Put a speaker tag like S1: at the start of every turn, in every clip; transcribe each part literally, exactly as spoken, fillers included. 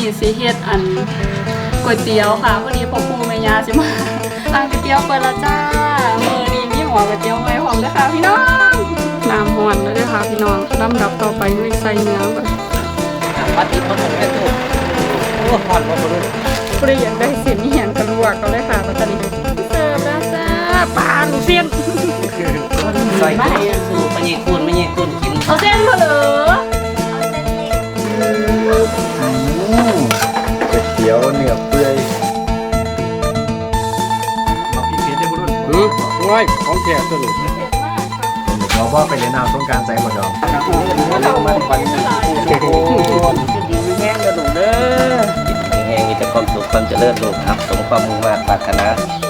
S1: นี้สิเฮ็ดอันก๋วยเตี๋ยวค่ะวันนี้พ่อปู่แม่ย่าสิมาร้านก๋วยเตี๋ยวเปิดแล้วจ้ามื้อนี้มีหม้อก๋วยเตี๋ยวใหม่พร้อมเด้อค่ะพี่น้องน้ำร้อนแล้วเด้อค่ะพี่น้องลำดับต่อไปด้วยใส่เนื้อก่อน
S2: วัดที่พ่อผมเป็นตัวโอ้หอนมาบ่รู้
S1: ผู้ใดอยากได้เส้นนี่เห็นกระลวกก็เลยค่ะตอนนี้เสิร์ฟแล้วจ้าปลาลูกเส้น
S2: ใส่ไม่สูไม่ยี่คุณไม่ยี่คุณกิน
S1: เอาเส้นมาเหรอ
S3: ก๋วยเตี๋ยวเนื้อเปื่อย
S4: บอกพี่เพียรได้บุรุษอืมง่ายของแก่ตัวหลุด
S3: เราว่าไปเล่นน้ำต้องการใจหมดดอก
S2: มันควันโอ้ดีแห้งกระดูกเด้อแห้งมีแต่ความสุขความเจริญลูกครับสมความมุ่งมั่นปรารถนา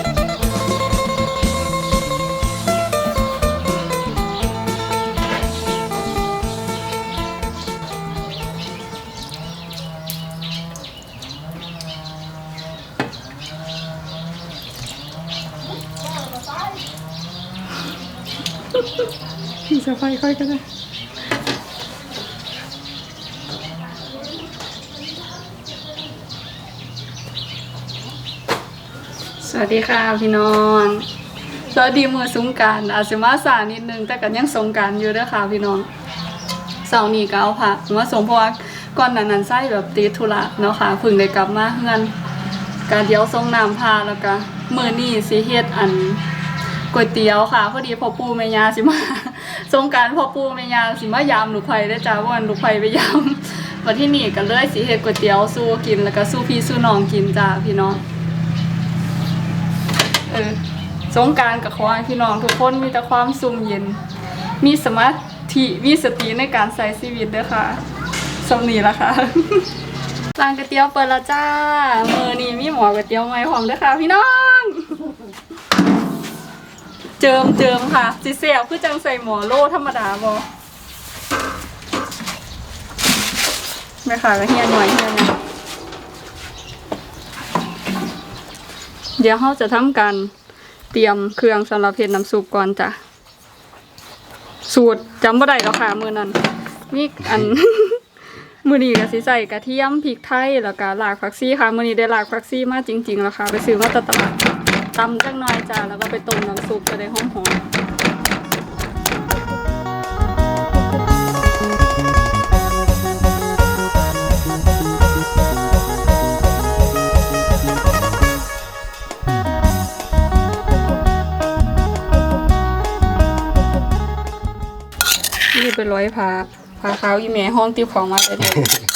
S1: พี่จะไฟค่อยก็ได้สวัสดีค่ะพี่น้องสวัสดีมือสงกรานต์อาจจะมาสายนิดนึงแต่กันยังสงกรานต์อยู่ด้วยค่ะพี่น้องเสาร์นี้ก็เอาค่ะมาส่งเพราะว่าก่อนนั้นนั้นไส้แบบติดธุระเนาะค่ะพึ่งได้กลับมาเงินการเดี๋ยวส่งน้ำพาแล้วก็มื้อนี้สิเฮ็ดอันก๋วยเตี๋ยวค่ะพอดีพ่อปู่แม่ย่าสิมาสงกรานต์พ่อปู่แม่ย่าสิมายามลูกไผ่ได้จ้าวันลูกไผ่ไปยามวันที่นี่ก็เลยสิเฮ็ดก๋วยเตี๋ยวสู้กินแล้วก็สู้พี่สู้น้องกินจ้าพี่น้องเออสงกรานต์ก็ขอให้พี่น้องทุกคนมีแต่ความสุขเย็นมีสมาธิมีสติในการใช้ชีวิตเด้อค่ะสำนี้ล่ะค่ะร้านก๋วยเตี๋ยวเปิดแล้วจ้ามื้อนี้มีหม้อก๋วยเตี๋ยวใหม่พร้อมเด้อค่ะพี่น้องเจิมเจิมค่ะสิเสียบคือจังใส่หมอโล่ธรรมดาบอไม่ค่ะแล้วเฮียหน่อยเฮียนะเดี๋ยวเราจะทำการเตรียมเครื่องสำหรับเฮ็ดน้ำซุปก่อนจ้ะสูตรจำบ่ได้แล้วค่ะมือนั้นมีอัน มือนี้ก็สิใส่กระเทียมพริกไทยแล้วก็รากผักชีค่ะมือนี้ได้รากผักชีมาจริงๆแล้วค่ะไปซื้อมาตลาดตำจังหน่อยจ้าแล้วก็ไปต้มน้ำซุปจะได้หอมๆนี่เป็นร้อยผ้าผ้าขาวอีแม่ห้องติ้วของมาเลย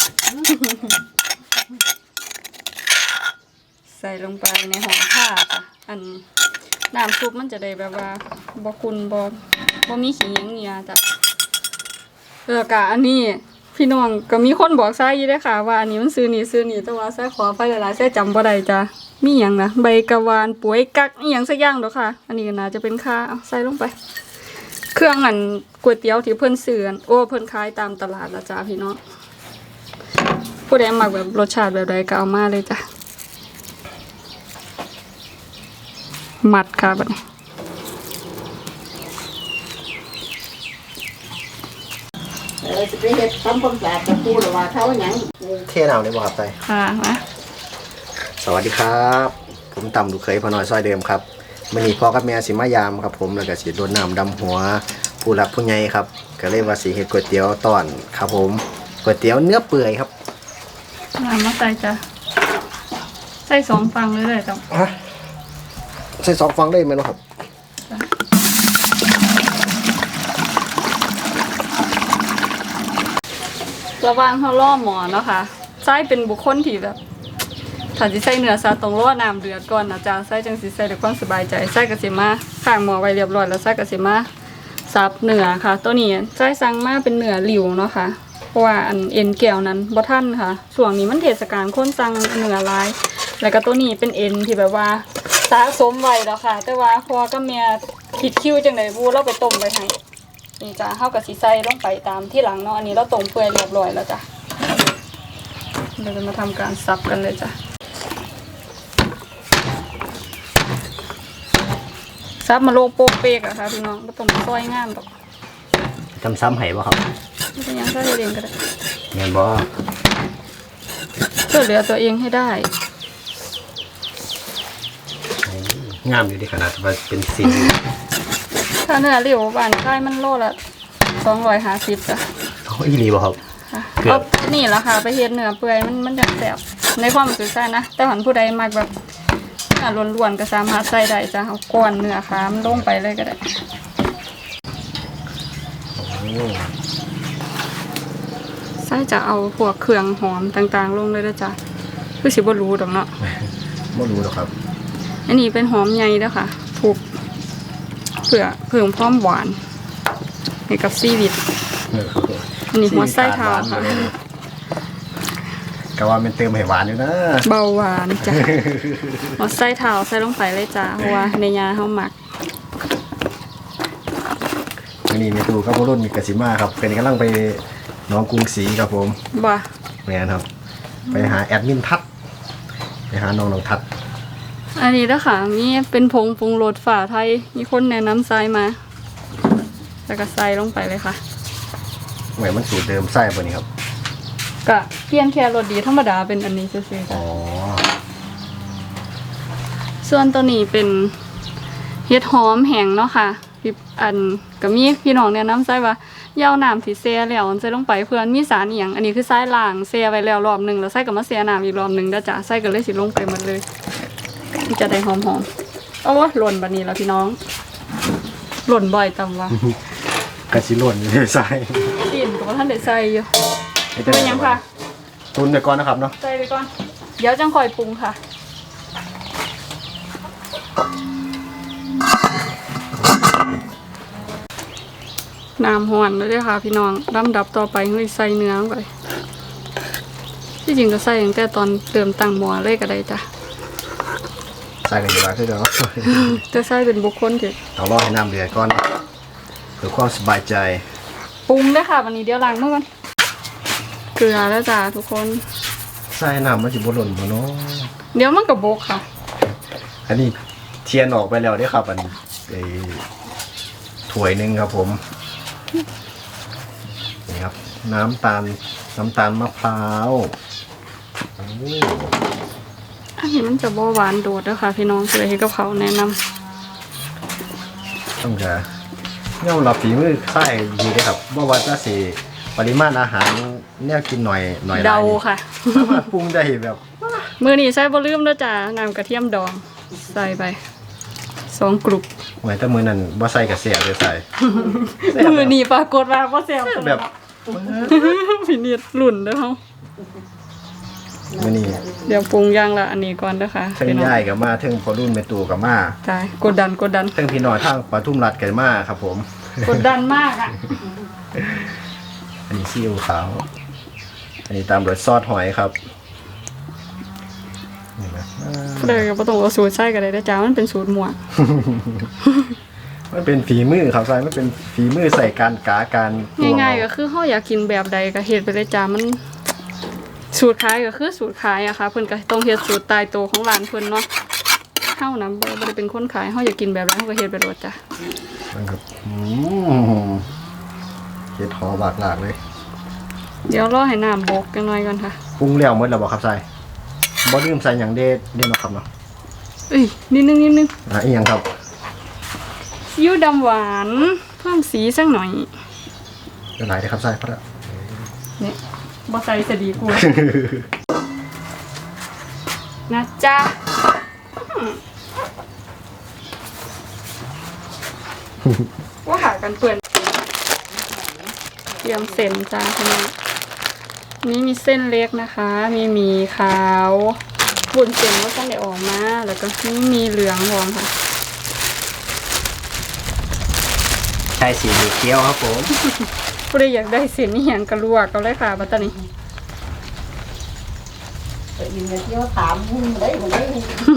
S1: ใส่ลงไปในห่อผ้าค่ะอันน้ำซุปมันจะได้แบบว่าบ่คุณบ่บ่มีขี้เหนียวจ้ะแล้วก็อันนี้พี่น้องก็มีคนบอกใส่อยู่ด้วยค่ะว่าอันนี้มันซื้อนี่ซื้อนี่แต่ว่าใส่ขอไปหลายๆใส่จำบ่ได้จ้ะมีหยังนะใบกะวานป่วยกักอีหยังสักอย่างดอกค่ะอันนี้ก็น่าจะเป็นค่าเอาใส่ลงไปเครื่องอันก๋วยเตี๋ยวที่เพิ่นซื้อโอ้เพิ่นขายตามตลาดละจ้ะพี่น้องผู้ใดมักแบบรสชาติแบบใดก็เอามาเลยจ้ะมัดค่ะบัดนี้
S5: เออจะไปเฮ็ดทำความสะอาดกับปูหรือว่าเขาหยัง
S3: เทน้ำได้บ่ครับไต
S1: ค่ะมา
S3: สวัสดีครับผมต่ำลูกเคยพอน้อยซอยเดิมครับมื้อนี้พ่อกับแม่สิมายามครับผมแล้วก็สิรดน้ำดำหัวผู้หลักผู้ใหญ่ครับก็เลยว่าสิเฮ็ดก๋วยเตี๋ยวตอนครับผมก๋วยเตี๋ยวเนื้อเปื่อยครับ
S1: น้ำมาใส่จ้ะใส่สองฟังเลยเลยจ้ะ
S3: ฮะใส่สองฟังได้ไหมครับ
S1: ระวังเขาล่อหมอเนาะค่ะไส้เป็นบุคคลที่แบบถ้าสิใส่เนื้อซาตรงล่อน้ำเดือดก่อนนะจ๊ะไส้จังสิใส่ด้วยความสบายใจไส้กระสิมาข้างหม้อไว้เรียบร้อยแล้วไส้กระสิมาซับเนื้อค่ะตัวนี้ไส้สั่งมาเป็นเนื้อหลิวเนาะค่ะเพราะว่าอันเอ็นแก้วนั้นบ่ทันค่ะช่วงนี้มันเทศกาลคนสั่งเนื้อหลายแล้วก็ตัวนี้เป็นเอ็นที่แบบว่าสะสมไว้แล้วค่ะแต่ว่าพอกับแม่ผิดคิวจังได๋บูเราไปต้มไว้ให้นี่จ้ะเฮาก็สิใส่ลงไปตามที่หลังเนาะอันนี้เราต้มเปื่อยเรียบร้อยแล้วจ้ะเราจะมาทำการสับกันเลยจ้ะซับมาโลโปกเปกอะค่ะพี่น้องบ่ต้องซอยงามดอก
S3: ทำซ้ำให้บ่ครับ
S1: ไม่เป็นยังก็เรียนก็ได้
S3: แม่นบ่
S1: ช่วยเหลือตัวเองให้ได้
S3: งามอยู่ดีขนาดว่าเป็นสี
S1: ถ้าเนื้อเรียวบานใกล้มันโลละสองร้อยห้าสิบจ้ะ
S3: เขาอีหลีบ่ครับ
S1: ค่ะ
S3: เกือบ
S1: เอานี่แหละค่ะไปเฮ็ดเนื้อเปื่อยมันมันจะแสบในความรู้สึกใส่นะแต่หันผู้ใดมักแบบเนื้อล้วนๆก็สามารถใส่ได้จ้ะเอาก้อนเนื้อขามนลงไปเลยก็ได้ใส่จะเอาพวกเครื่องหอมต่างๆลงเลยนะจ๊ะคือสิบ่รู้ดอกเนาะ
S3: ไม่รู้หรอกครับ
S1: อันนี้เป็นหอมใหญ่เด้อค่ะถูกเพื่อเพิ่มความหวานให้กับซีวิต อันนี้หัวไส้เท้าค่ะ
S3: ก็ว่ามันเติมให้หวานอยู่นะ
S1: เบาหวานจ้ะ หัวไส้เท้าใส่ลงไปเลยจ้ะเพราะว่าในยาเขาหมัก
S3: อันนี้มีตูกับพ่อรุ่นมีกสิมาครับเป็นกำลังไปหน้องกรุงศรีครับผม
S1: บ่
S3: แม่นครับ ไปหาแอดมินทัดไปหาน้องน้องทัด
S1: อันนี้เด้อค่ะมีเป็นผงปรุงรสฝาไทยมีคนแนะนำใส่มาแล้วก็ใส่ลงไปเลยค่ะ
S3: เหมือนมันสูตรเดิมไส้ป่ะนี่ครับ
S1: ก็เปลี่ยนแค่รสดีธรรมดาเป็นอันนี้ซื่อๆ
S3: อ๋
S1: จ้ะ
S3: อ
S1: ส่วนตัวนี้เป็นเห็ดหอมแห้งเนาะค่ะพี่อันก็มีพี่น้องแนะนำใส่ว่าอย่าเอาน้ำที่แช่แล้วใส่ลงไปเพื่อนมีสารอีหยังอันนี้คือใส่ล้างแช่ไว้แล้วรอบหนึงแล้วใส่ก็มาแช่น้ำอีกรอบหนึงเด้อจ้ะใส่ก็เลยสิลงไปหมดเลยมันจะได้หอมๆเอาวะหล่นบัดนี้แล้วพี่น้องหล่นบ่อยตำว่าก
S3: ระชิล่นอยู่ที่ไส้
S1: ดินก็บ่ทันได้ใส่อยู่เป็นหยังค่ะ
S3: ตุนไปก่อนนะครับเนาะ
S1: ใส่ไปก่อนเดี๋ยวจังค่อยปรุงค่ะน้ำห่อนเลยเด้อค่ะพี่น้องลำดับต่อไปเฮ้ยใส่เนื้อลงไปที่จริงก็ใส่ตั้งแต่ตอนเติมตังหม้อเลยก็ได้จ้ะ
S3: ใส่กันอยู่แล้วคือเดี๋ยว
S1: จะใส่เป็นบุคคลที่
S3: ต้องรอให้น้ำเดือดก่อนเพื่อความสบายใจ
S1: ปรุงเลยค่ะวันนี้เดี๋ยวล้างมือก่อนเกลือแล้วจ้ะทุกคน
S3: ใส่น้ำมันจะบ่หล่นบ่เนาะ
S1: เดี๋ยวมันกับบกค่ะ
S3: อันนี้เทียนออกไปแล้วเด้อครับอันไอ้ถ้วยหนึงครับผมนี่ครับน้ำตาลน้ำตาลมะพร้าวโอ้
S1: อันนี้มันจะบ่หวานโดดแล้วค่ะพี่น้องเลยให้กับเขาวแนะนำ
S3: ต้องจะย่อมรับฝีมือใส่ดีเลยครับว่าว่าจะสิปริมาณอาหารแนวกินหน่อยหน่อยหลย
S1: เดาค่ะ
S3: สามารถปรุงได้แบบ
S1: มือนี้ใส่บ่ลืมเด้อจ้ะน้ำกระเทียมดองใส่ไปสองกลุ่ม
S3: เหมือนแต่มือนั้นบ่ใส่กระเสียเลยใส่
S1: มือนี้ปรากฏว่าบ่แซ่บ
S3: แบบ
S1: พี่นิดหลุ่นเด้อเฮา
S3: มื้อนี้
S1: เดี๋ยวปรุงอย่างละอันนี้ก่อนเด้อค่ะ
S3: เทิง
S1: พี่น้อง
S3: ย่ายกับมาเทิงพอรุ่นแม่ตู่กับมา
S1: ตายกดดันกดดัน
S3: เทิงพี่น้อยทางปทุมรัฐกันมาครับผม
S1: กดดันมากอ่ะ
S3: อันนี้ซีอิ๊วขาวอันนี้ตามด้วยซอสหอยครับนี่นะ
S1: เลยก็บ่ต้องเอาสูตรใส่ก็ได้เด้อจ้ามันเป็นสูตรหมวก
S3: มันเป็นฝีมือครับใส่มันเป็นฝีมือใส่การกาการตว
S1: ง่ายๆ
S3: เอ
S1: ก็คือเฮาอยากกินแบบใดก็เฮ็ดไปเลยจ้ามันสูตรขายก็คือสูตรขายอะค่ะเพิ่นก็ต้องเฮ็ดสูตรตายตัวของร้านเพิ่นเนาะเฮานะบ่บ่ได้เป็นคนขายเฮาอยากกินแบบไรเฮาก็เฮ็ดไปโลดจ้ะ
S3: มันครับอืมเฮ็ดหอมบากหลากเลย
S1: เดี๋ยวรอให้น้ำบกจังหน่อยก่อนค่ะ
S3: ปรุงแล้วหมดแล้วบ่ครับใส่บ่ลืมใส่หยังเด็ดเด็ดเนาะครับเนาะ
S1: เอ้ยนิดนึงนิดนึง
S3: อ่ะอีหยังครับ
S1: ซีอิ๊วดำหวานเพิ่มสีสักหน่อย
S3: เดี๋ยวหลายเด้อครับใส่พอแล้ว
S1: เนี่ยบ่ใส่จะดีกว่า นะจ๊ะว่าหากันเปื่อนเตรียมเส้นจ้าพี่น้องนี่มีเส้นเล็กนะคะ มีหมี่ขาวบุญเส้นว่าต้องได้ออกมา แล้วก็นี่มีเหลืองรองค่ะ
S3: ใช่สีเขียวครับผม
S1: ผู้ใดอยากได้เส้นนี่อย่างกระลวกก็เลยค่ะบัตตานี้
S5: ไปยินเที่ยวถามมึงได้บ่ได้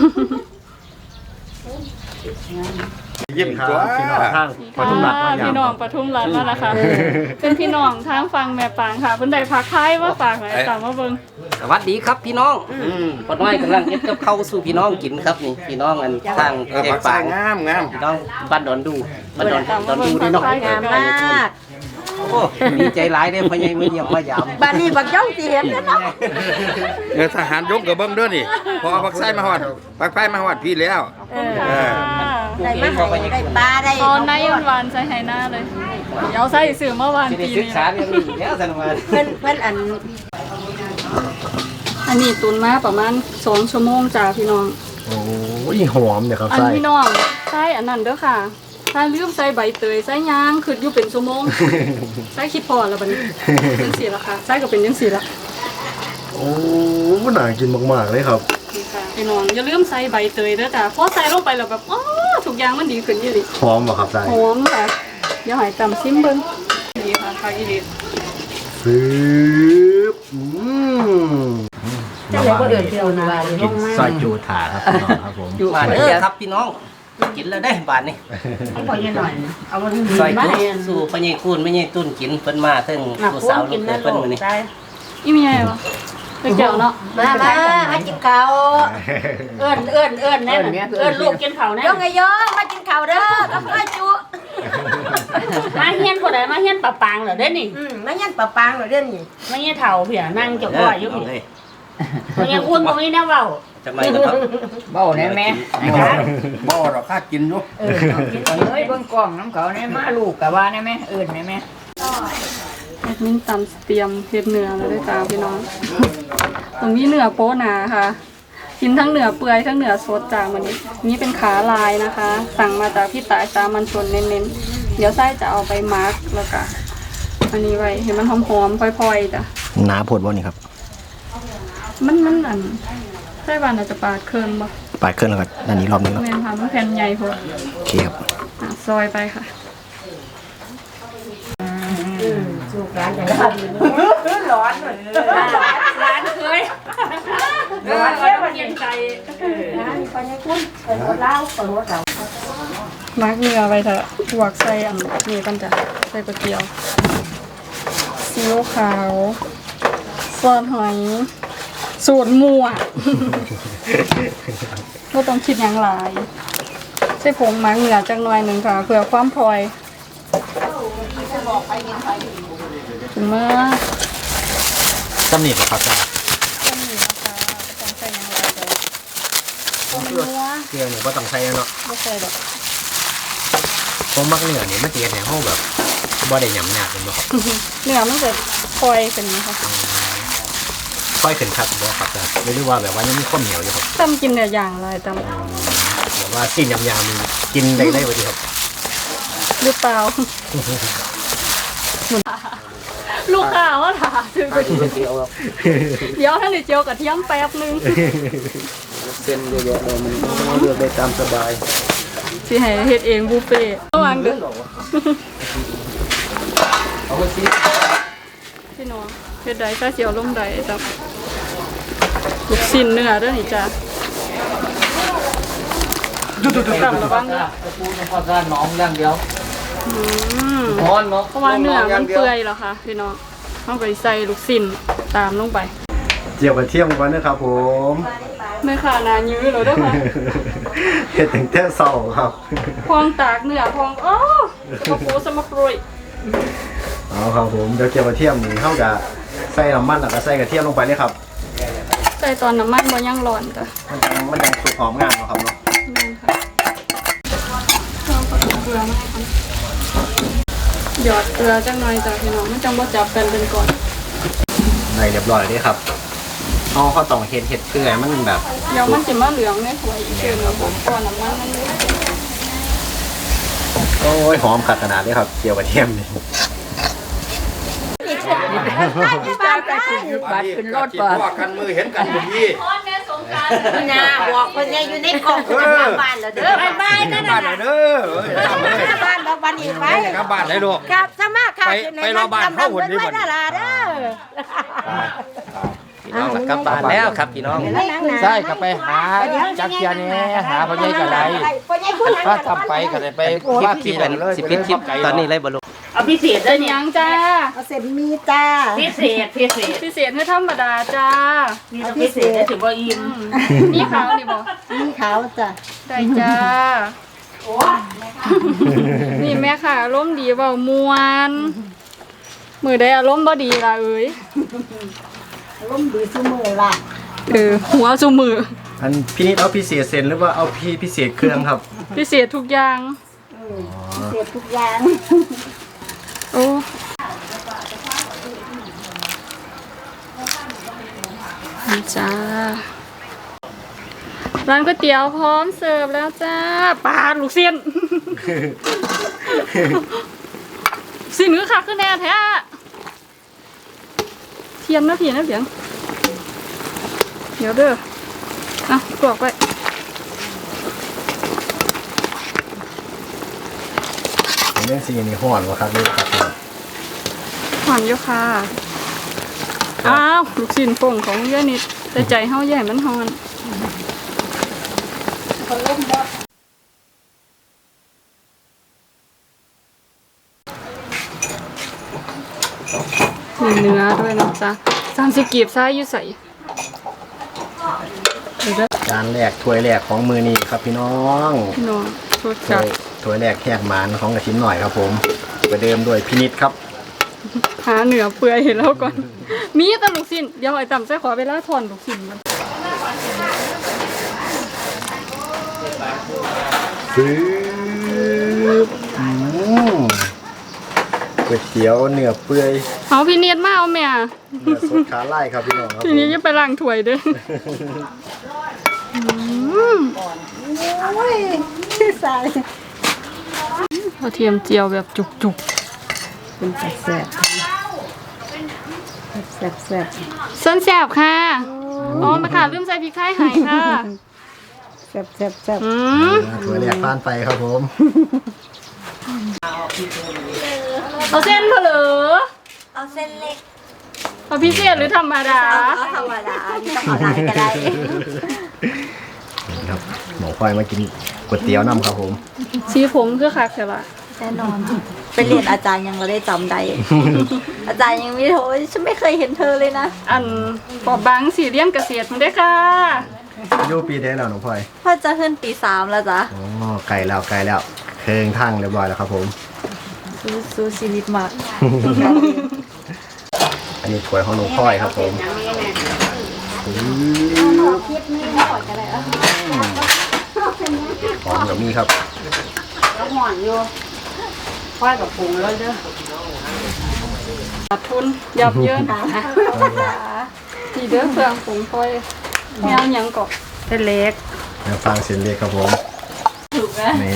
S3: ยิ้มครับพี่น้องทางปทุมรัฐ
S1: ค่ะ
S3: มายาม
S1: พี่น้องปทุมรัฐนั่นแหละค่ะ เป็นพี่น้องทางฟังแม่ปางค่ะเพิ่นได้พักไทยมาฝากหน่อยตามมาเบิ่ง
S2: สวัสดีครับพี่น้องปอน้อยกำลังเฮ็ดกับข้าวสู่พี่น้องกินครับนี่พี่น้องอันทางแยกปาง
S4: งามงาม
S2: พี่น้องบ้านดอนดูบ้านดอนดอนดูด้วยเนาะ
S1: งามมาก
S5: เ
S2: ดีใจหลายเด้อพ่อใหญ่มาเยี่ยมมายาม
S5: บ้านนี้บักย่องสิเห็นแล้วเนาะ
S4: เออทหารยกกับเบิ้งด้วยนี่พอเอาปักไส้มาหอดปักไส้มาหอดพี่แล้ว
S1: ขอบคุณค่ะ
S5: ได้มาให้ได้ปลาได้
S1: ตอนนายหวานใส่ไฮหน้าเลยเดี๋ยวใส่สื่อเมื่อวาน
S2: สิได้
S1: ปี
S2: ศึก
S1: นี้
S2: ษาเรื่องนี้แล้วสันว่า
S5: เพิ่นเพิ่นอัน
S1: อันนี้ตุนมาประมาณสองชั่วโมงจ้าพี่น้อง
S3: โอ้ยหอมเนี่ยครับ
S1: อัน
S3: ไส้
S1: พี่น้องใส่อันนั้นเด้อค่ะถ้าลืมใส่ใบเตยใส่ยางคืออยู่เป็นชั่วโมงใส่คิดพอแล้วบัดนี้ยังสีละค่ะใส่ก็เป็นยังสีละ
S3: โอ้น่ากินมากๆเลยครับ
S1: นี่ค่ะพี่น้องอย่าลืมใส่ใบเตยเด้อจ้าพอใส่ลงไปแล้วแบบอ๋อทุกอย่างมันดีขึ้นยี่ดิ
S3: หอมป่ะครับไส้
S1: หอมค่ะเดี๋ยวใหายตำซิมเบิ้งดีค่ะค่ะอีดี
S3: ฟื้บอืม
S5: จะเลยบ่เอื่นเที่ยวนาเลย
S3: กินซอยจูถาครับพี่น้องครับผม
S2: บาดเด้อครับพี่น้องกินแล้วได้บาดนี่
S5: ให้พอยังหน่อยนะเอามันดี
S2: ซอย
S5: มา
S2: จุ
S5: ให้
S2: สู่พ่อใหญ่คูณแม่ใหญ่ตุ้นกินเพิ่นมาถึง
S5: หนัก
S2: ผู้
S5: พว
S2: สาก วลู
S5: กิ
S2: ก
S5: น
S2: เข
S5: นั่
S2: ย
S5: น
S2: เพิ่นมื้อนี้
S5: ได้
S1: อีมีอะไรวะเด็กเกี่ยวเนาะ
S5: มามามากินข้าวเอิ้นเอิ้นเอิ้นแน่เอิ้นลูกกินข้าวแน่ยงไงยงมากินข้าวเด้อกับข้าวจุ
S6: มาเฮียนคนใดมาเฮียนปะปางเหรอเด้นี่
S5: อืมมายันปะปางเหรอเด้อนี่
S6: มาเฮียนเฒ่าเพียนั่งเจ้าพ่ออยู่
S2: เอา
S6: พี่
S2: เลย
S6: มาเฮียนอุ่นบ่มีแนวเว้า
S2: จะไม่นะครับ
S7: เบ้าแน่แม่
S4: บ่หรอกข้ากินอยู่
S7: เออเอากินเอาเลยเบิ่งกล้องน้ำเขาแน่มาลูกกะว่าแน่แม่เอิ้นแน่แม่
S1: แอดมินตำเตรียมเฮ็ดเนื้อแล้วด้วยจ้าพี่น้อง ตรงนี้เนื้อโป๊หนาค่ะ กินทั้งเนื้อเปื่อยทั้งเนื้อสดจ้าวันนี้นี่เป็นขาลายนะคะ สั่งมาจากพี่ตายสามัญชนเน้นๆเดี๋ยวไส้จะเอาไปมาร์กแล้วก็อันนี้ไว้เห็นมันหอมๆพลอยๆจ้ะ
S3: หนาโพดบ่นี่ครับ
S1: มันมันอันไส้บานอาจจะปาดเคินบ่
S3: ปาดเครื่องแล้วก็อันนี้รอบนึงแล้ว
S1: แม่นค่ะมันแผ่นใหญ่พอ
S3: โอเคครับ
S1: อ่ะซอยไปค่ะ
S5: สุกร้านไหนร้อนร้อนเลย
S6: ร้านเคย
S5: ร้อนเลยวันเย็นใจร้านพอยังคุ้นเปิดรถเล่าเปิดรถเรา
S1: มาร์กเนื้อไปเถอะลวกใส่อันนี้กันจ้ะใส่กระเทียมซีอิ๊วขาวซอสหอยสูตรมั่ว ก็ต้องคิดอย่างไรใส่ผงมาร์กเนื้อจักหน่อยหนึ่งค่ะเพื่อความพลอยถึงเมื่อ
S3: ตำหนิป่ะครับไส้
S1: ต้มหมี่นะคะต้องใส่อย่างไรเดี๋ยวต้มนัว
S3: เกลือเนี่ยก็ต้องใส่เนาะ
S1: ไม่ใส่หรอก
S3: ผมมักเนื้อนี่มันจะเห็นในห้องแบบบ่ได้หยำหยาบเป็นบ่ครับ
S1: เนื้อมันจะพลอยเป็นนะคะ
S3: ค่อยขึ้นครับบ่ครับไส้ไม่รู้ว่าแบบว่ายังมีข้าวเหนียวอยู่ครับ
S1: ต้มกินแต่อย่างไรต้ม
S3: แบบว่าสิ้นยำยำมันกินได้ได้พอดีครับ
S1: หรือเปล่า ลูกค้าว่าถามถึงเดี๋ยวท่านเจียวกับเทียมแป๊บนึง
S2: เส้นเยอะๆเลยมันเลือกได้ตามสบาย
S1: สิให้เฮ็ดเองบุฟเฟ่ต์ระวังเด้อ
S2: เอาไปสิ
S1: พี่น้องเฮ็ดใดก็เจียวลงใดจ้ะลูกชิ้นเนื้อเด้อนี่จ้ะต่ำระวังเด้อ
S7: ปูนพอซ่านน้องอย่างเดียว
S1: อืม
S7: ร้อนเนาะ
S1: เพราะว่าเนื้อมันเปื่อยแล้วค่ะพี่น้องเอาไปใส่ลูกชิ้นตามลงไป
S3: เจียวกระเทียมก่อนนะครับผม
S1: แม่ค้านายื้อแล้วเด้อค่ะ
S3: เฮ็ดถึงแต่เช้าครับ
S1: พองตากเนื้อพองโอ้สมปูสมปรุย
S3: เอาครับผมเดี๋ยวเจียวกระเทียมนี่เฮาจะใส่น้ำมันแล้วก็ใส่กระเทียมลงไปเลยครับ
S1: ใส่ตอนน้ำมันบ่ยังร้อนจ้ะ
S3: มันยังมันยังสุกหอมงามเนาะครับเนาะ
S1: นี่ค่ะเอาผสมเกลือมาให้กันหยอดเกลือจังหน่อยจ้ะพี่น้องไม่จังบ่จับกันเป็นก่อน
S3: ได้เรียบร้อยเลยครับเอาข้าวตองเฮ็ดเฮ็ดเกลือมันแบบ
S1: เดี๋ยวมันสิมาเหลืองในถ้วยอีกเดือนละผมก่อนน้ำมันมันเลย
S3: โอ้ยหอมขัดขนาดเลยครับเจียวกระเทียมนี่
S7: บ้านไปขึ้นบัตรขึ้นรถบ่
S4: ว่ากันมือเห็นกันบ่พี่
S5: พี่นาบอกคนยังอยู่ในกล่องจะกลับบ้านแล้วเด้อ
S6: ไปบ้านนั่น
S4: บ้า
S6: น่ะ
S4: นเด้อเอ้ยทำเลย
S5: กลับบ้านบอกวันนี้ไป
S4: กลับบ้านได้ลูก
S5: ครับสมาค่ะ
S4: ไปไปรอบ้านเข้าหุ่นนี่บ่
S5: ไว้ดาราเด้อ
S2: พี่น้องกลับบ้านแล้วครับพี่น้อง
S7: ใช่ก็ไปหาจักเทียนี่หาพ่อใหญ่ก็ได้ถ้าทำไปก็ได้ไป
S2: คลิป
S7: ว่า
S2: คลิ
S7: ที่
S2: ป
S7: นั่นเลย
S2: สิปิดคลิปตอนนี้เลยบ่ลูก
S6: เอาพิเศษ
S1: เป็
S6: เด้อน เนี่ย
S1: ยังจ้า
S5: เอาเสร็จมีจ้า
S6: พิเศษพิเศษ
S1: พิเศษคือธรรมดาจ้า
S6: นี่ต้องพิเศษได้ถือว่าอิ่ม
S1: นี่ขาวนี่บ่
S5: มีขาวจ้ะ
S1: ได้จ้านี่แม่ค่ะร่มณ์ดีเว้ามวนมือได้อารมณ์บ่ดีล่ะเอ้ย
S5: ล้มดีซุมือล่ะ
S1: เออหัวซุมือ
S3: อันพี่นิดเอาพิเศษเซนหรือว่าเอาพี่พิเศษเครื่องครับ
S1: พิเศษทุกอย่าง
S5: เสียทุกอย่าง
S1: โอ้นี่จ้าร้านก๋วยเตี๋ยวพร้อมเสิร์ฟแล้วจ้าปลาลูกเสี้ยน สินคือคักคือแน่แท้เทียนนะพี่นะเพียงเดี๋ยวเด้ออ่ะกรอกไว้
S3: เรื่องซีนี่ห่อนวะครับนี่ครับ
S1: หอนอยู่ค่ะอ้าวลูกชิ้นโป่งของย่านิดแต่ใจเฮาใหญ่มันหอนมีเนื้อด้วยนะจ๊ะสามสิบกีบซ้ายอยู่ใส่
S3: จานแรกถ้วยแรกของมือนี่ครับพี่น้อง
S1: พี่น้องรส
S3: ถ้
S1: จั
S3: ว
S1: ด
S3: ยถ้วยแรกแหกหมานของกระชิ้นหน่อยครับผมประเดิมด้วยพินิดครับ
S1: หาเนื้อเปื่อยเห็นแล้วก่อน มีแต่ลูกชิ้นเดี๋ยวไอ้ต่ำใส่ขอเวลาถอนลูกชิ้นมัน
S3: ฟื้บอืมก๋วยเตี๋ยวเนื้อเปื่อย
S1: เอาพี่เนียดมาเอาแม่
S3: เนื้อสดขาไล่ครับพี่น้องครับ
S1: ทีนี้จะไปล้างถ้วยเด้วย
S5: ใส่
S1: กระเทียมเจียวแบบจุก
S5: เป็นแซ่บแซ่บแซ่บแซ่บ
S1: ๆเส้นแสบค่ะอ๋อมาค่ะลืมใส่พริกไทยให้ค่ะ
S5: แซ่บแซ่บแซ่บ
S1: อืม
S3: อ่าถ้วยแรกผ่านไปครับผม
S1: เอาเส้นเผลอ
S5: เอาเส้นเล็ก
S1: เอาพิเศษหรือธรรมดา
S5: เอาธรรมดานี่ต้องเอาหลายก็ได้
S3: ครับหมอคอยมากินก๋วยเตี๋ยวน้ำครับผม
S1: สีผมคือคักใช่ปะ
S5: แน่นอนไปเรียนอาจารย์ยังเราได้จำได้ อาจารย์ยังไม่โทรฉันไม่เคยเห็นเธอเลยนะ
S1: อันปอบบางสีเลี้ยงเกษตรมันได้อค่ะ
S3: อายุปีได้แล้วน้องพลอย
S5: พ่อจะขึ้นปีสามแล้วจ้ะ
S3: อ๋อไกลแล้วไกลแล้วเคิงทั้งเรียบร้อยแล้วครับผม
S5: สู้สู้ชีวิตมาก
S3: อันนี้ถ้วยของน้องพลอยครับผมหอมกับมีครับ
S6: แล้วห่อนอยู่ค่อยกับปรุงแล้วเด้อ
S1: ขาดทุนยับเยินทีเด้อเครื่องปรุงค่อยแมวหยังกอก
S6: เส้นเล็ก
S3: เดี๋ยวฟังเสียงเรียกครับผม
S1: ถูกไหม
S3: นี่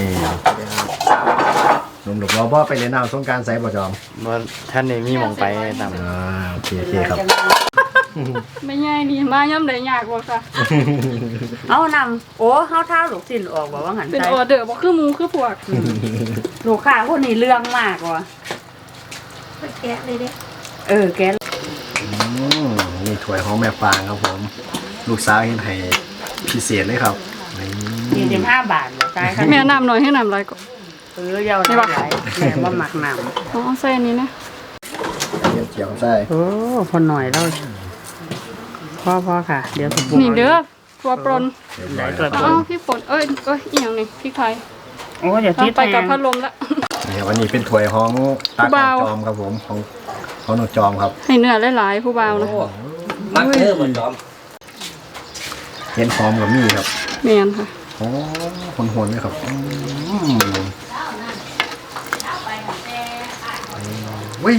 S3: หนุ่มหลุกล้อบ่ไปเล่นน้ำสงกรารไซบ่จอม
S7: บ่ท่านนี่มีหม่องไปตาม
S3: อ่าโอเคโอเคครับ
S1: ไม่ง่ายดีมาย่ำได้ยากกว่าค่ะ
S6: เอานำโอ้เฮาเท้าลูกชิ้นออกบอกว่าหัน
S1: เป็น
S6: ใจ
S1: ออเดอร์บ่คือหมูคือพวก
S6: ลูกค้าคนนี้เรื่องมากว่ะ
S5: แกะเลยดิ
S6: เออแก
S3: อืมนี่ถ้วยของแม่ฟางครับผม ลูกสาวเห็นให้พิเศษเลยครับนี่
S6: ยี่สิบห้าบาทเหรอตายค่ะ
S1: แม่น้ำหน่อยให้น้ำไรก่อน
S6: เออเยาวหลายแม่ว่าหมักน้ำ
S1: อ๋อใส่อันนี้นะ
S3: เจียวใส่
S6: โอ้พอหน่อยแล้วพ่อพ่อค่ะ เดี๋ยวผม
S1: นี่เด้อตัวปรน
S3: เรียบร้อย
S6: ได้ตัว
S3: แล้ว
S1: อ๋อพี่ฝนเอ้ยเอ้ยอีหยังนี่พี่ไทย
S6: โอ้เดี๋ยวที่
S1: ไปกับ
S6: แทง
S1: พัดลมละ
S3: นี่ครับวันนี้เป็นถ้วยของตา
S1: ผู้
S3: ของ
S1: บ่าว
S3: จอมครับผมของของน้องจอมครับ
S1: ให้เนื้อหลายๆผู้บ่าวนะ
S2: มักเด้อบ่จอม
S3: เห็นหอมกับมีครับ
S1: แม่นค่ะ
S3: โอ้คนหวนเลยครับอืมวิ่ง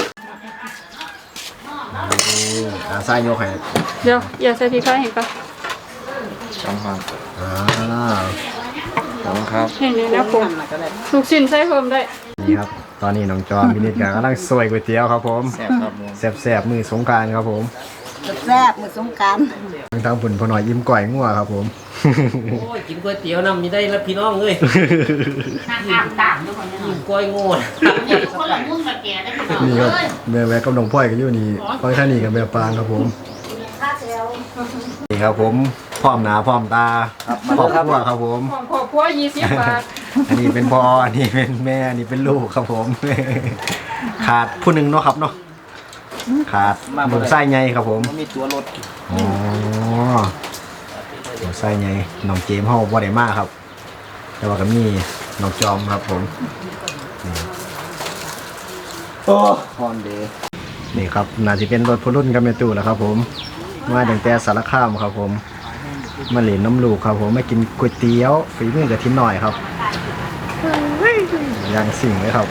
S3: อาไส้โยกให้
S1: เดี๋ยวอย่าใส่พริกไทยเห็นปะ
S7: ช่องครับ
S3: อ่า
S7: ขอบคุณครับ
S1: เห็นนี่นะผมลูกชิ้นใส่เพิ่มได้
S3: นี่ครับ ตอนนี้น้องจอมพินิจกกำลังซวยก๋วยเตี๋ยวครับผม
S7: แซ่บครับผม
S3: แซ่บๆมือสงกรารครับผม
S5: แซ่บเหมือนสงกราร
S3: ทั้งทางผุนพอหน่อยยิ้มก่อยงัวครับผม
S2: โอ้ยกินก๋วยเตี๋ยวน้ำมีได้แล้วพี่น้องเอ้ย
S6: น้ำน้ำต่างทุกคนเนี่ย
S2: กินกล้วยโง่
S6: คนละมุ่งละแกได้ไหม
S3: นี่ครับแม่แวะกับน้องพ่อยกันอยู่นี่พ่อยท่านี่กับแม่ปางครับผมนี่ครับผมพร้อมหนาพร้อมตาพร้อมครัวครับผม
S1: ของขอบครัวยี่สิบบาท
S3: อันนี้เป็นพ่ออันนี้เป็นแม่อันนี้เป็นลูกครับผม ขาดผู้หนึ่งเนาะครับเนาะขาดหมูไส้ไงครับผม
S7: มีตัวรถ
S3: อ๋อหมูไส้ไงน้องเจมส์เฮาบ่ได้มาครับ แต่ว่าก็มีน้องจอมครับผมนี่โอ้ฮอนเดย์นี่ครับน่าจะเป็นรถพรุ่นกับแม่ตู้แล้วครับผมมาตั้งแต่สารคามครับผมมาเหรียญน้ำลูกครับผมมากินก๋วยเตี๋ยวฝีมือกระทินหน่อยครับอย่างสิ่งเลยครับ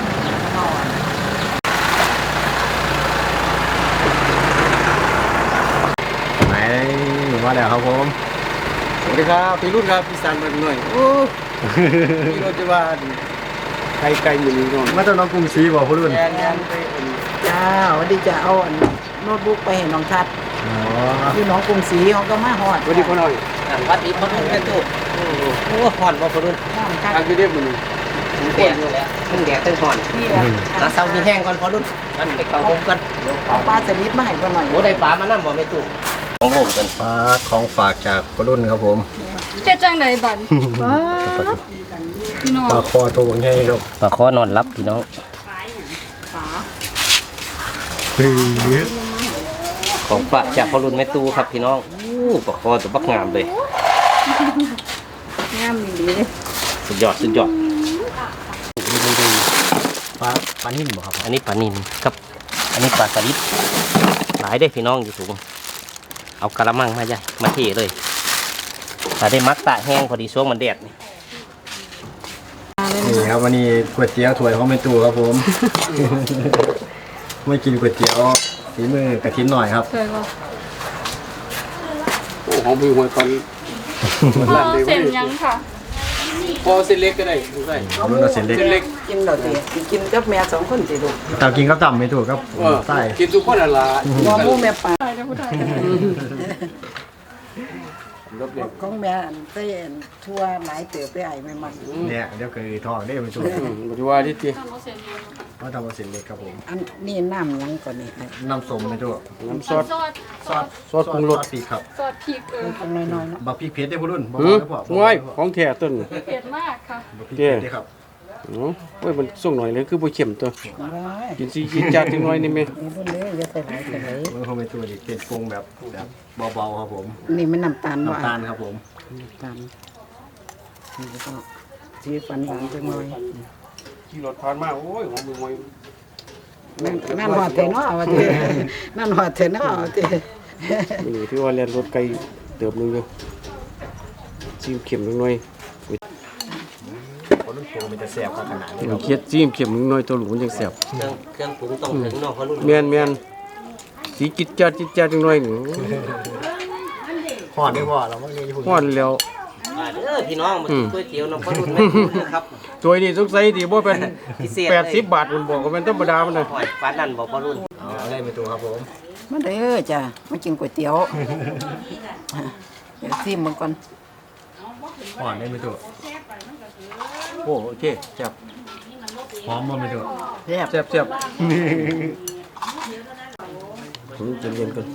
S3: ไหนมาแล้วครับผม
S7: สวัสดีครับพี่รุ่นครับพี่สันมาหน่อยโอ้พี่รถจะว่าไกลไกลอยู่นี่ก่อน
S3: มาจากน้องกรุงศรีบ่พรุ่น
S7: แกนแกนไป
S8: จ้าวันดีจะเอาอันโน้ตบุ๊กไปให้น้องทัด
S3: อ๋อ
S8: ที่น้องกรุงศรีเขาก็มาฮอด
S7: สวัสดีพ่อหน่อย
S2: อ่ะวัดอีกคนหนึงแม่ตู้โอ้โหโอ้หอนบ่พอรุ่น
S8: น้องทัด
S7: ทางที่เรียบมัน
S2: ถึงแดดอยู่แล้วถึงแดดถึงหอน
S8: นี่แหละ
S2: หาเสามีแห้งก่อนพอรุ่นมันไปเข้าผมกัน
S8: เอาปลาสลิดมาให้ก่อนหน่อย
S2: โอ้ได้ปลามานั่บ่แม่ตู้ของผมกัน
S3: ปลาของฝากจากพรุ่นครับผม
S1: เฮ็ดจังไดบัดพี่น้อง
S3: ปลาคอตัวใหญ่ครับ
S2: ปลาคอนอนรับพี่น้อง
S3: คือ
S2: ของฝากจากพอรุ่นแม่ตู้ครับพี่น้องอู้ปลาคอตัวบักงามเลย
S8: งามดีเลย
S2: สุดยอดสุดยอด
S3: ปลาปลานิ่มบ่ครับ
S2: อันนี้ปลานิลครับ อันนี้ปลาสลิดหลายได้พี่น้องอยู่สูงเอากระมังมาใหญ่มาเทเลยถ้าได้มักตะแห้งพอดีช่วงมันแดดนี่
S3: นี่ครับวันนี้ก๋วยเตี๋ยวถ้วยของแม่ตู้ครับผม ไม่กินก๋วยเตี๋ยวฝีมือกระทินหน่อยครับ
S1: เคยบ่
S7: โอ้ของพี่หวยก่อน
S1: พ่อเส้นหยังค่ะ
S7: พอเส้นเล็กก็ได้ดูได้
S3: เอารุ่นเราเส้นเล็ก
S7: เส้นเล็ก
S8: กินดอกเดียวกินกับแม่สองคนสิลูก
S3: ตามกินกับต่ำไม่ถูกครับ
S7: เออ
S3: ใต้
S7: กินทุกคนอะไร
S8: มอหมูแม่ปลา
S1: ใช่เด้อผู้ไทย
S7: รถเล็ก
S8: ของแม่อันเต้นทั่วหลายเติบไปไอ้แม่มัน
S3: เนี่ยเดี๋ยวเคยทอดได้ไม่ถูก
S7: ปัจจุบันที่ตี
S3: เพราะทำเอาเส้นเล็กครับผม
S8: อันนี่น้ำหยังก่อนนี่ไอ้
S3: น้ำส้มไม่ถูก
S7: น้ำซอส
S1: ซอสซอส
S7: ซอสปรุงรส
S3: ซอสพริกครับ
S1: ซอสพริกเออ
S8: ตรงน้อยๆเนาะ
S3: บักพริกเผ็ดได้พุ่รุ่นบอก
S7: หืม
S3: ได้พอ
S7: ง่ายของแท้ต้น
S1: เผ็ดมากค่ะ
S3: บักพริกเผ็ดได้ครับ
S7: เนาะเว้ยมันส่งหน่อยเลยคือบ่เข็มตัว
S8: ได้
S7: กินซีกินจัดจังหน่อยนี่แม่
S8: นี่รุ่นเล็กจะใส่หลายใส่หลาย
S3: เมื่อเขาไม่ตัวดิเป็นปรุงแบบแบบเบาๆครับผม
S8: นี่มันน้ำตาลบ่
S3: น้ำตาลครับผม
S8: น้ำตาลนี่ก็สีฟันหวานจังเลย
S7: ขี่รถผ่านมาโอ้ยของมึงไว้
S8: นั่นนั่นหอดเทเนาะว่าตินั่นหอดเทเนาะว่าติ
S7: นี่ที่ว่าเรียนรถไกลเติบนึงอยู่ซีมเข็มจังหน่อย
S3: เพราะรุ่นปรุงมันจะแซ่บขนาดนี้
S7: เคียดซีมเข็มจังหน่อยตัวหลูมันจังแซ่บ
S2: เครื่องเครื่องปรุงต้องถึงเนาะพอรุ่น
S7: แม่นแม่นสีจิตจัดจิตจัดจังหน่อยนี่
S3: หอดได้พอเราไม่มีหุ่น
S7: ฮ้อนแล้ว
S2: มาเด้อพี่น้องมากินก๋วยเตี๋ยวน้ำพอรุ่นแม่ตู้เด้อครับ
S7: ตัวนี้สงสัยที่บ่เป็น
S2: พิเศษ
S7: แป
S2: เลย
S7: ดสิบบาทมันบอกว่ามันธรรมดามันน่ะ
S2: หอยปลานั่นบอกพอรุ่น
S3: เอาได้ไม่ตัวครับผม
S8: มาเด้อจ้ะมากินก๋วยเตี๋ยวเดี๋ยวซิมมันก่อน
S3: หอดได้ไม่ตัว
S7: โอ้โอเคแซ่บ
S3: หอมบ่ไม่ตัว
S8: แซ่บ
S7: แซ่บแซ่บผมจะเรียนกัน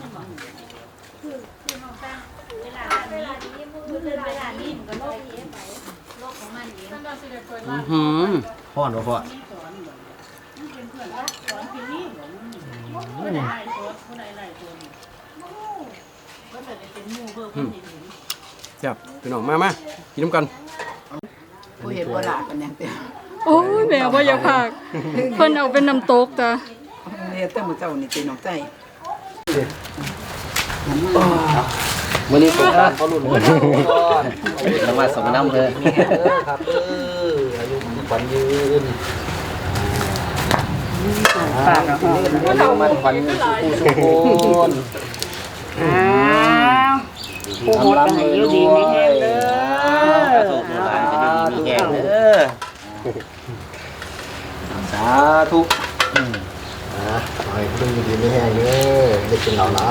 S7: อื้อหือ
S3: หอดบ่พอ
S7: แซ่บพี่น้องมามากินน้ำกัน
S8: ผู้เห็นบ่ลากันหยังเต็ม
S1: โอ้ยแม่บ่อยากพากเพิ่นเอาเป็นน้ำตกจ้ะ
S8: เฮ็ดแต่มื้อเจ้านี่ตีน้องใจ
S2: มื้อนี้ผมก็พอรุ่นก่อนแล้วมาสมน้ำเลยครับเอออายุขวัญยืน
S8: ปากอ่ะฮะ
S2: อายุมันขวัญยืนสุขสุขคน
S8: อ้าวผู้หมดก็ให้อยู่ดีมีแฮงเด้อ
S2: สุขหลานจะได้มีแห้งเด้อสาธุ
S3: อ่ะขอให้พุ่รุ่นดีไม่แห้งเด้อได้กินเหล่าละ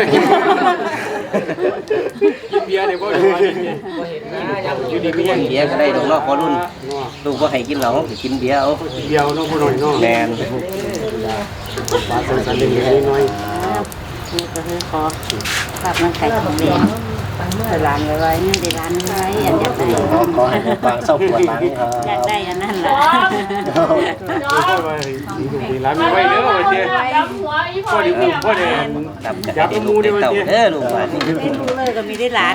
S7: กินเบียร์เนี่ยบ่ได้ว่ากินเบียร์
S2: อยู่ดีมีแห้งเบียร์ก็ได้ดอกเนาะพอรุ่นลูกบ่ให้กินเหล้าสิกินเบียร์เอา
S7: เบียร์เนาะบ่น้อยเนาะ
S2: แมน
S7: ปลาสันสันเล็กๆน้อย
S5: ภาพมันไข่ของแดงแต่ร้านไว้ๆนี่ได้ร้านไว้อันเดียวใส่
S3: ขอให้ฟังเศร้าปวดหลังครับ
S5: อยากได้อันนั้นล่ะ
S7: ๆว่าดีร้านไม่ไหวเด้อว่าเจ้พอดีพอดี
S2: ครับจะให้ได้ลูกได้เต่าเด้อลูกว่านี่
S5: ไม่รู้เลยก็มีได้ร้าน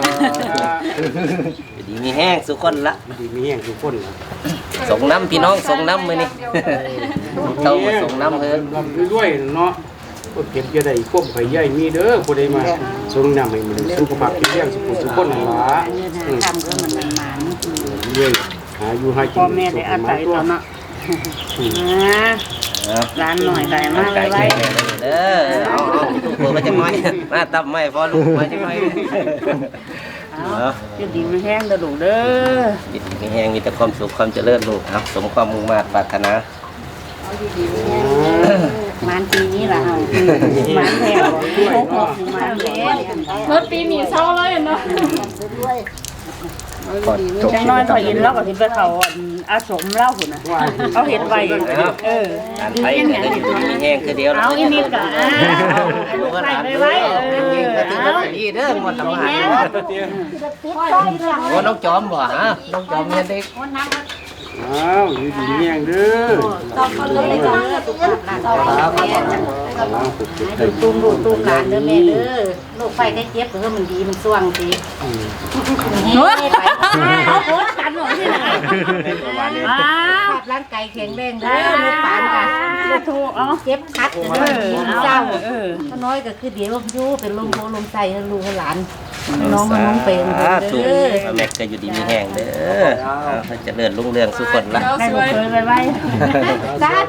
S2: ดีมีแห้งสุขคนละ
S7: ดีมีแห้งทุกคนนะ
S2: ส่งน้ำพี่น้องส่งน้ำมื้อนี้เขามาส่งน้ำเพิ่น
S7: ลำด้วยๆเนาะก็เก็บจะได้ควบไข่ใหญ่มีเด้อผู้ใดมาส่งน้ำให้มันสุขภาพแข็งแรงสุขสุขคนหลา
S8: ทำก็มันมันมัน
S7: เรื่อยหาอยู่ให้กิน
S8: พ่อแม่ได้อาศัยตอนเนาะร้านหน่อยได้มาก
S2: ไก่
S8: ไว้
S2: แข็งเด้อเอาเอาลูกเปิดมาจังน้อยมาตับไม่พอลูกมาจังน้อยเอา
S8: อยู่ดีไม่แห้งเด้อลูกเด้อ
S2: จิตมีแห้งมีแต่ความสุขความเจริญลูกครับสมความมุ่งมา่ปรารถนา
S8: มันปีนี้ล่ะเอามันแท้หกหกมันแท้
S1: รถปีนี้เศร้าเลยเนาะ
S8: จังน้อยพอยินแล้วก็สิไปเขาอาสมเล่าหุ่นน่ะเอาเห็ดไว้เออ
S2: การไปเนี่ยก็อยู่มีแห้งคือเดียว
S8: เอาอีนิดก็อ้าวลูกใส่ไปไว้เออ
S2: ก็ถือ
S8: เอา
S2: ว่าดีเด้อหมดตำหา
S5: ๆ
S2: โอ้น้องจอมบ่ฮะน้องจอมเนี่ยเด็ก
S7: อ้าวอยู่ดีแย่งเด้อ
S5: ต้องเขาเลยจ้ะครับ
S8: ดูตุ้มดูตุ้มหลานเด้อแม่เด้อลูกไฟได้เจ็บเพื่อมันดีมันสว่างสิเฮ้ยเอาโคตรกันหน่อยที่ไหนอ้าวร่างกายแข็งแรงเด้อลูกปานค่ะลูกทูเอาเจ็บคัดเด้อเจ้าถ้าน้อยก็คือเดี๋ยวยู่เป็นลมโพลมใส่ให้ลูกให้หลานน้องน้องเป็น
S2: ถูก
S8: เด้อ
S2: แม็กก็อยู่ดีมีแห้งเด้อเขาจะเลื่อนรุ่งเรืองสุขคนละ
S8: ได้ลูกเคยไปไว้สาธุ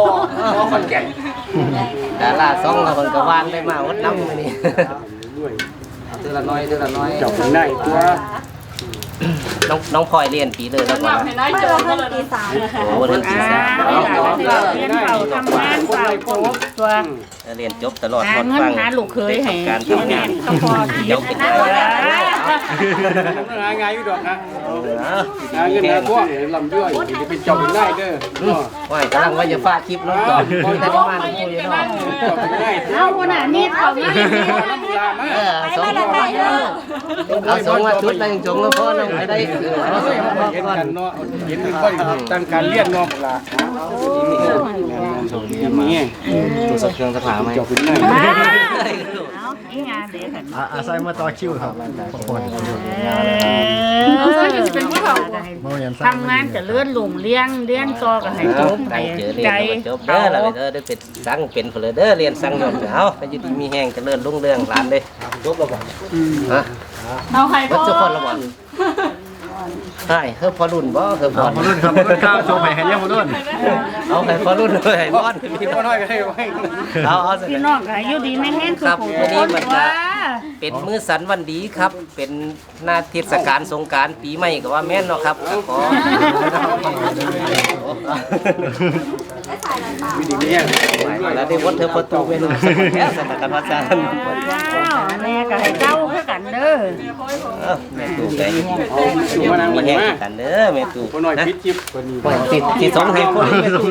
S2: ดาราสองเราคนก็วางได้มาวัดน้ำนี่
S7: ด้วย
S2: เท่าละน้อยเท่าละน้อย
S7: เจ้าเป็นได้ตัว
S2: น้องน้องพลอยเรียนปีเลยแล้วก่อน
S1: ให้นายโจมก็เลยตีสาม
S2: โอ้เรียนปีสาม
S8: เรียนเป่าทำงานเป่าโจ๊กตัว
S2: เรียนจบตลอด
S8: หาเงินหาลูกเคยให้
S2: การทำงานเดี๋ยวเป็น
S7: หาง่ายอยู่ดอกนะหาเงินหาพวกลำด้วยจะเป็นเจ้าเป็นได้เด้อ
S2: ว่ากำลังว่าจะฟาดคลิปน้องจอมแต่ที่มาพูดอยู่เนาะ
S7: เจ้าเป็นได้
S8: เอาคนน่ะนี่เขาไม่
S2: เออสองเอาสองมาชุดนั่งจงแล้วพ่อนั่งไปได้คือเอาสองมา
S7: เห็น
S2: ก่อน
S7: กันเนาะเห็นค่อยตั้งการเรียนเนาะล่ะนี่ตัวสักเครื่องสักหาไหมเจ้าเป็นได้
S8: เอาอีงานเด็ก
S3: อาศัยมาต่อคิวครับคน
S1: เอาใส่ก็สิเป็นผู้เฒ่า
S8: ทำงานจะเลื่อนหลงเลี้ยงเลี้ยงต่อกับให้จบ
S2: ตั้งเจอเรียนจบเด้อแล้วเด้อได้เป็นสั่งเป็นเพลเด้อเรียนสั่งยนต์เอาไปอยู่ดีมีแห้งเจริญรุ่งเรืองร้านเลยจบแล้วบ่ฮะ
S1: เอาให้
S2: วั
S1: พ่
S2: ด
S1: อ
S2: ทุกคนละบ่ใช่เฮ้ยพอรุ่นบ่เฮ้ยพอ
S3: มารุ่นครับมารุ่นครับโชว์ไปให้เยี่ยมมารุ่น
S2: เอาให้พอรุ่นเลยให้บอน
S7: พี่พ่อน้อยก็ให้ไว้
S2: เอาเอาสิ
S8: พี่น้องก็อยู่ดีไม่แห้งคือผู้คนว่า
S2: เป็นมื้อสันวันดีครับ เป็นหน้าเทศกาลสงกรานต์ปีใหม่ก็ว่าแม่นเนาะครับขอ
S7: มีดีเนี่ย
S2: แล้วได้วัดเธอประตูเวลาแล้วสถานพัฒน์
S8: แม่ก็ให้เจ้าคือกันเด้อ
S2: แม่ตู่ไป
S7: เอาอยู่มานั่ง
S2: มี
S7: มัน
S2: แห้ง
S7: มา
S2: กันเด้อแม่ตู่
S7: พ่อน้อยปิดจิบคนนี้
S2: ติดติดสองให้คนแม่ตู่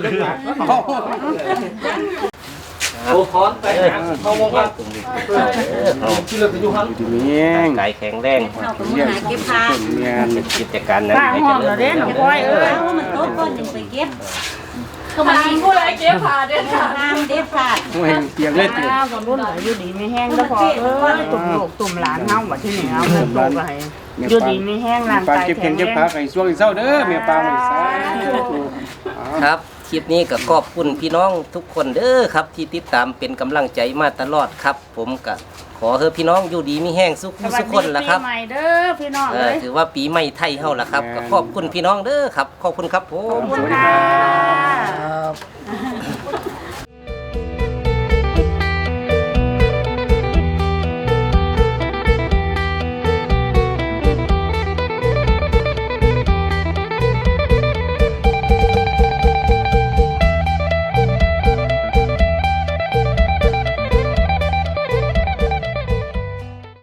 S2: โอ้พร้อมไปเข้าวงการตรงนี้ที่เราจะอยู่ห้อง
S7: ดีเงี้ย
S2: ไก่แข็งแรง
S5: เอาไปหาเก็บผ้า
S7: เงี้ย
S2: เป็นกิจการนั้น
S8: ป้า
S2: ให้
S8: ห้
S2: เจ
S8: อง
S2: ริ
S8: เรา
S2: ญ
S8: เด่นก้อยเอ้ย
S5: เอามันโต๊ะก้อนหนึ่งไปเก็บ
S1: ก็มาผู้ใดเก็บผ้าเด้อค่ะ
S5: น้ำเด็ดขาด
S7: ไม่เปียกเล็ด
S8: ข้าวกับรุ่นอยู่ดีไม่แห้งแล้วพอเอ้ยตุ่มลูกตุ่มหลานเฮาบัดที่นี่เอาเงินโตก็ให้อยู่ดีไม่แห้งร่าง
S7: ปลาก
S8: าย
S7: เก็บ
S8: แข็
S7: เข็
S8: ง
S7: ง
S8: แร
S7: เก็บ
S8: ง
S7: ผักไอ้ช่วงเศร้าเด้อเมียปลาไม่สาย
S2: ครับคลิปนี้ก็ขอบคุณพี่น้องทุกคนเด้อครับที่ติดตามเป็นกำลังใจมาตลอดครับ ผมก็ขอเฮอพี่น้องอยู่ดีมีแห้งสุขสุขคนละครับ
S8: ปีใหม่เด้อพี่น้อง
S2: เอ
S8: เอ้
S2: อย ถือว่าปีใหม่ไทยเฮาล่ะครับก็ขอบคุณพี่น้องเด้อครับ ขอบคุณครับผม
S8: ขอบคุณค่ะ